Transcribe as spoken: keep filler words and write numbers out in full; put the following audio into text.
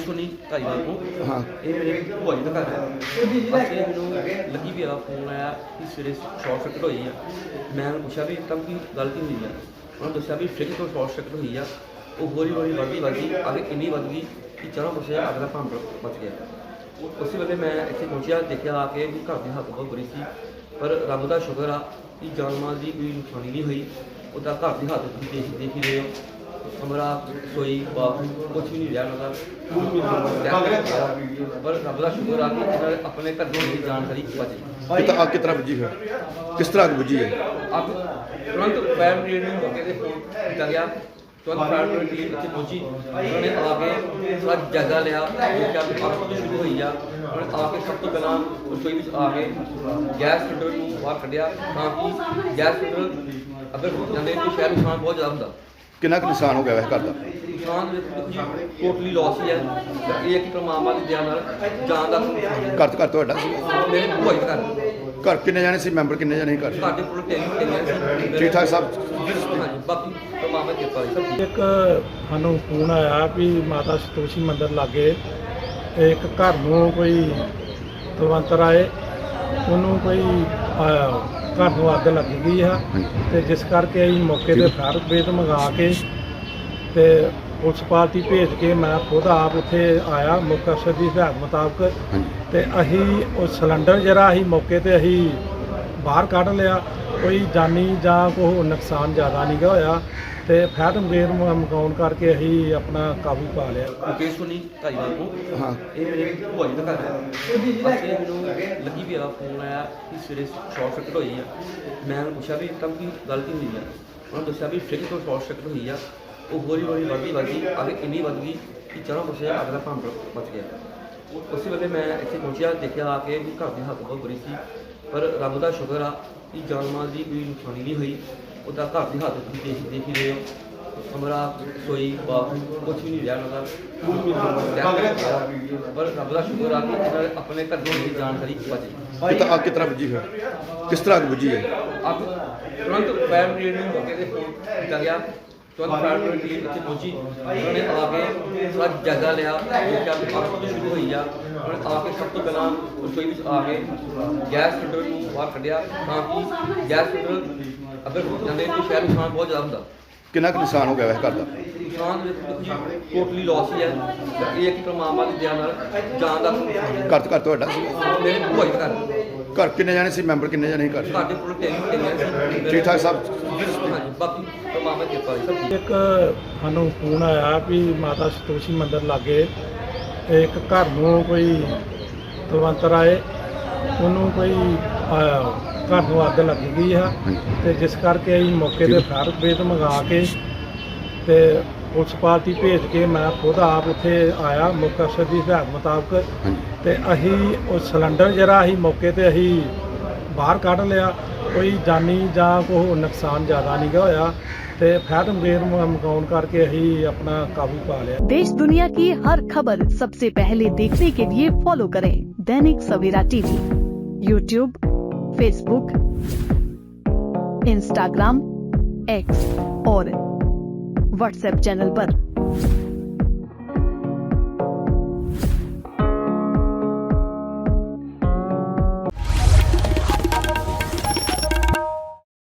ਸੁਣੀ ਧਾਰੀਵਾਲ ਤੋਂ। ਹਾਂ ਇਹ ਮੇਰੇ ਭੂਆ ਜੀ ਦਾ ਘਰ ਹੈ। ਅਸੀਂ ਮੈਨੂੰ ਲੱਗੀ ਵੀ ਆ ਫੋਨ ਆਇਆ ਕਿ ਸਵੇਰੇ ਸ਼ਾਰਟ ਸਰਕਟ ਹੋਈ ਆ। ਮੈਂ ਉਹਨੂੰ ਪੁੱਛਿਆ ਵੀ ਤਾਂ ਕੀ ਗੱਲ ਕੀ ਹੋਈ ਆ। ਉਹਨੇ ਦੱਸਿਆ ਵੀ ਫ੍ਰਿਜ ਤੋਂ ਸ਼ਾਰਟ ਸਰਕਟ ਹੋਈ ਆ। ਉਹ ਹੌਲੀ ਹੌਲੀ ਵੱਧਦੀ ਵੱਧਦੀ ਅੱਗ ਇੰਨੀ ਵੱਧ ਗਈ ਕਿ ਚਾਰੋਂ ਪਾਸੇ ਅੱਗ ਦਾ ਭਾਂਡ ਮਚ ਗਿਆ। ਉਸੇ ਵੇਲੇ ਮੈਂ ਇੱਥੇ ਪਹੁੰਚਿਆ, ਦੇਖਿਆ ਆ ਕੇ ਵੀ ਘਰ ਦੀ ਹਾਲਤ ਬਹੁਤ ਬੁਰੀ ਸੀ, ਪਰ ਰੱਬ ਦਾ ਸ਼ੁਕਰ ਆ ਕਿ ਜਾਨ ਮਾਲ ਦੀ ਕੋਈ ਨੁਕਸਾਨੀ ਨਹੀਂ ਹੋਈ। ਉਹਦਾ ਘਰ ਦੀ ਹਾਲਤ ਤੁਸੀਂ ਦੇਖ ਦੇਖ ਹੀ ਰਹੇ ਹੋ, ਕਮਰਾ ਰਸੋਈ ਬਾਥਰੂਮ ਕੁਛ ਵੀ ਨਹੀਂ ਰਿਹਾ ਉਹਨਾਂ ਦਾ। ਪਰ ਰੱਬ ਦਾ ਸ਼ੁਕਰ ਆ ਕਿ ਇਹਨਾਂ ਨੇ ਆਪਣੇ ਘਰੋਂ ਦੀ ਜਾਣਕਾਰੀ ਬਚੀ। ਕਿਤਾ ਅੱਗ ਕਿਸ ਤਰ੍ਹਾਂ ਬੁਝੀ ਹੈ, ਕਿਸ ਤਰ੍ਹਾਂ ਅੱਗ ਬੁਝੀ ਹੈ? ਅੱਗ ਤੁਰੰਤ ਫਾਇਰ ਬ੍ਰਿਗੇਡ ਨੂੰ ਮੌਕੇ 'ਤੇ ਫੋਨ ਕੀਤਾ ਗਿਆ। ਤੁਰੰਤ ਫਾਇਰ ਬ੍ਰਿਗੇਡ ਟੀਮ ਇੱਥੇ ਪਹੁੰਚੀ। ਉਹਨਾਂ ਨੇ ਆ ਕੇ ਥੋੜ੍ਹਾ ਜਾਇਜ਼ਾ ਲਿਆ, ਦੇਖਿਆ ਵੀ ਅੱਗ ਕਦੋਂ ਸ਼ੁਰੂ ਹੋਈ ਆ। ਉਹਨਾਂ ਨੇ ਆ ਕੇ ਸਭ ਤੋਂ ਪਹਿਲਾਂ ਰਸੋਈ ਵਿੱਚ ਆ ਕੇ ਗੈਸ ਸਿਲੰਡਰ ਨੂੰ ਬਾਹਰ ਕੱਢਿਆ, ਤਾਂ ਕਿ ਗੈਸ ਸਿਲੰਡਰ ਅਗਰ ਹੋ ਜਾਂਦੇ ਤਾਂ ਸ਼ਾਇਦ ਨੁਕਸਾਨ ਬਹੁਤ ਜ਼ਿਆਦਾ ਹੁੰਦਾ। ਕਿੰਨਾ ਕੁ ਨੁਕਸਾਨ ਹੋ ਗਿਆ ਵੈਸੇ ਘਰ ਦਾ? ਨੁਕਸਾਨ ਟੋਟਲੀ ਲਾਸ ਹੀ ਹੈ। ਇਹ ਹੈ ਕਿ ਪਰਮਾਤਮਾ ਦੀ ਦਇਆ ਨਾਲ ਜਾਨ ਦਾ ਨੁਕਸਾਨ ਘਰ ਘਰ ਤੁਹਾਡਾ ਸੀ? ਮੇਰੇ ਭੂਆ ਜੀ ਦਾ ਘਰ। ਘਰ ਕਿੰਨੇ ਜਾਣੇ ਸੀ, ਮੈਂਬਰ ਕਿੰਨੇ ਜਾਣੇ ਸੀ ਘਰ? ਸਾਡੇ ਕੋਲ ਤਿੰਨ ਤਿੰਨ ਠੀਕ ਠਾਕ ਸਭ? ਹਾਂਜੀ, ਬਾਕੀ ਪਰਮਾਤਮਾ ਦੀ ਕਿਰਪਾ ਹੈ ਸਭ। ਇੱਕ ਸਾਨੂੰ ਫੋਨ ਆਇਆ ਵੀ ਮਾਤਾ ਸੰਤੋਸ਼ੀ ਮੰਦਿਰ ਲਾਗੇ ਇੱਕ ਘਰ ਨੂੰ ਕੋਈ ਤਲਵੰਤਰ ਆਏ, ਉਹਨੂੰ ਕੋਈ ਅਹ, ਘਰ ਨੂੰ ਅੱਗ ਲੱਗ ਗਈ ਆ। ਤੇ ਜਿਸ ਕਰਕੇ ਅਸੀਂ ਮੌਕੇ 'ਤੇ ਫਾਇਰ ਬ੍ਰਿਗੇਡ ਮੰਗਾ ਕੇ ਤੇ ਪੁਲਿਸ ਪਾਰਟੀ ਭੇਜ ਕੇ ਮੈਂ ਖੁਦ ਆਪ ਉੱਥੇ ਆਇਆ ਮੁੱਖ ਅਫਸਰ ਦੀ ਹਦਾਇਤ ਮੁਤਾਬਕ। ਤੇ ਅਸੀਂ ਉਹ ਸਿਲੰਡਰ ਜਿਹੜਾ ਅਸੀਂ ਮੌਕੇ 'ਤੇ ਅਸੀਂ ਬਾਹਰ ਕੱਢ ਲਿਆ। ਕੋਈ ਜਾਨੀ ਜਾਂ ਕੋਈ ਨੁਕਸਾਨ ਜ਼ਿਆਦਾ ਨਹੀਂ ਗਾ ਹੋਇਆ। ਤੇ ਫਾਇਰ ਬ੍ਰਿਗੇਡ ਮੰਗਾਉਣ ਕਰਕੇ ਅਸੀਂ ਆਪਣਾ ਕਾਬੂ ਪਾ ਲਿਆ। ਮੁਕੇਸ਼ ਸੁਣੀ ਧਾਰੀਵਾਲ ਤੋਂ। ਹਾਂ ਇਹ ਮੇਰੇ ਭੂਆ ਜੀ ਦਾ ਘਰ ਹੈ। ਅਸੀਂ ਮੈਨੂੰ ਲੱਗੀ ਵੀ ਆ ਫੋਨ ਆਇਆ ਕਿ ਸਵੇਰੇ ਸ਼ਾਰਟ ਸਰਕਟ ਹੋਈ ਆ। ਮੈਂ ਉਹਨੂੰ ਪੁੱਛਿਆ ਵੀ ਤਾਂ ਕੀ ਗੱਲ ਕੀ ਹੋਈ ਆ। ਉਹਨੇ ਦੱਸਿਆ ਵੀ ਫ੍ਰਿਜ ਤੋਂ ਸ਼ਾਰਟ ਸਰਕਟ ਹੋਈ ਆ। ਉਹ ਹੌਲੀ ਹੌਲੀ ਵੱਧਦੀ ਵੱਧਦੀ ਅੱਗ ਇੰਨੀ ਵੱਧ ਗਈ ਕਿ ਚਾਰੋਂ ਪਾਸੇ ਅੱਗ ਦਾ ਭਾਂਡ ਮਚ ਗਿਆ। ਉਸੇ ਵੇਲੇ ਮੈਂ ਇੱਥੇ ਪਹੁੰਚਿਆ, ਦੇਖਿਆ ਆ ਕੇ ਵੀ ਘਰ ਦੀ ਹਾਲਤ ਬਹੁਤ ਬੁਰੀ ਸੀ, ਪਰ ਰੱਬ ਦਾ ਸ਼ੁਕਰ ਆ ਕਿ ਜਾਨ ਮਾਲ ਦੀ ਕੋਈ ਨੁਕਸਾਨੀ ਨਹੀਂ ਹੋਈ। ਉਹਦਾ ਘਰ ਦੀ ਹਾਲਤ ਤੁਸੀਂ ਦੇਖ ਦੇਖ ਹੀ ਰਹੇ ਹੋ, ਕਮਰਾ ਰਸੋਈ ਬਾਥਰੂਮ ਕੁਛ ਵੀ ਨਹੀਂ ਰਿਹਾ ਉਹਨਾਂ ਦਾ। ਪਰ ਰੱਬ ਦਾ ਸ਼ੁਕਰ ਆ ਕਿ ਇਹਨਾਂ ਨੇ ਆਪਣੇ ਘਰੋਂ ਦੀ ਜਾਣਕਾਰੀ ਬਚੀ। ਕਿਤਾ ਅੱਗ ਕਿਸ ਤਰ੍ਹਾਂ ਬੁਝੀ ਹੈ, ਕਿਸ ਤਰ੍ਹਾਂ ਅੱਗ ਬੁਝੀ ਹੈ? ਅੱਗ ਤੁਰੰਤ ਫਾਇਰ ਬ੍ਰਿਗੇਡ ਨੂੰ ਮੌਕੇ 'ਤੇ ਫੋਨ ਕੀਤਾ ਗਿਆ। ਤੁਰੰਤ ਫਾਇਰ ਬ੍ਰਿਗੇਡ ਟੀਮ ਇੱਥੇ ਪਹੁੰਚੀ। ਉਹਨਾਂ ਨੇ ਆ ਕੇ ਥੋੜ੍ਹਾ ਜਾਇਜ਼ਾ ਲਿਆ, ਦੇਖਿਆ ਵੀ ਅੱਗ ਕਦੋਂ ਸ਼ੁਰੂ ਹੋਈ ਆ। ਉਹਨਾਂ ਨੇ ਆ ਕੇ ਸਭ ਤੋਂ ਪਹਿਲਾਂ ਰਸੋਈ ਵਿੱਚ ਆ ਕੇ ਗੈਸ ਸਿਲੰਡਰ ਨੂੰ ਬਾਹਰ ਕੱਢਿਆ, ਤਾਂ ਕਿ ਗੈਸ ਸਿਲੰਡਰ ਅਗਰ ਹੋ ਜਾਂਦੇ ਤਾਂ ਸ਼ਾਇਦ ਨੁਕਸਾਨ ਬਹੁਤ ਜ਼ਿਆਦਾ ਹੁੰਦਾ। ਕਿੰਨਾ ਕੁ ਨੁਕਸਾਨ ਹੋ ਗਿਆ ਵੈਸੇ ਘਰ ਦਾ? ਨੁਕਸਾਨ ਟੋਟਲੀ ਲਾਸ ਹੀ ਹੈ। ਇਹ ਹੈ ਕਿ ਪਰਮਾਤਮਾ ਦੀ ਦਇਆ ਨਾਲ ਜਾਨ ਦਾ ਨੁਕਸਾਨ। ਘਰ ਘਰ ਤੁਹਾਡਾ ਸੀ? ਮੇਰੇ ਭੂਆ ਜੀ ਦਾ ਘਰ। ਘਰ ਕਿੰਨੇ ਜਾਣੇ ਸੀ, ਮੈਂਬਰ ਕਿੰਨੇ ਜਾਣੇ ਸੀ ਘਰ? ਸਾਡੇ ਕੋਲ ਤਿੰਨ ਤਿੰਨ ਠੀਕ ਠਾਕ ਸਭ? ਹਾਂਜੀ, ਬਾਕੀ ਪਰਮਾਤਮਾ ਦੀ ਕਿਰਪਾ ਹੈ ਸਭ। ਇੱਕ ਸਾਨੂੰ ਫੋਨ ਆਇਆ ਵੀ ਮਾਤਾ ਸੰਤੋਸ਼ੀ ਮੰਦਿਰ ਲਾਗੇ ਇੱਕ ਘਰ ਨੂੰ ਕੋਈ ਤਲਵੰਤਰ ਆਏ, ਉਹਨੂੰ ਕੋਈ ਅਹ, ਘਰ ਨੂੰ ਅੱਗ ਲੱਗ ਗਈ ਆ। ਤੇ ਜਿਸ ਕਰਕੇ ਅਸੀਂ ਮੌਕੇ 'ਤੇ ਫਾਇਰ ਬ੍ਰਿਗੇਡ ਮੰਗਾ ਕੇ ਤੇ ਪੁਲਿਸ ਪਾਰਟੀ ਭੇਜ ਕੇ ਮੈਂ ਖੁਦ ਆਪ ਉੱਥੇ ਆਇਆ ਮੁੱਖ ਅਫਸਰ ਦੀ ਹਦਾਇਤ ਮੁਤਾਬਕ। ਤੇ ਅਸੀਂ ਉਹ ਸਿਲੰਡਰ ਜਿਹੜਾ ਅਸੀਂ ਮੌਕੇ 'ਤੇ ਅਸੀਂ ਬਾਹਰ ਕੱਢ ਲਿਆ। ਕੋਈ ਜਾਨੀ ਜਾਂ ਕੋਈ ਨੁਕਸਾਨ ਜ਼ਿਆਦਾ ਨਹੀਂ ਗਾ ਹੋਇਆ। ਤੇ ਫਾਇਰ ਬ੍ਰਿਗੇਡ ਮੰਗਾਉਣ ਕਰਕੇ ਅਸੀਂ ਆਪਣਾ ਕਾਬੂ ਪਾ लिया। देश दुनिया की हर खबर सबसे पहले देखने के लिए फॉलो करें Dainik Savera TV, YouTube, Facebook, Instagram, X और व्हाट्सएप चैनल पर।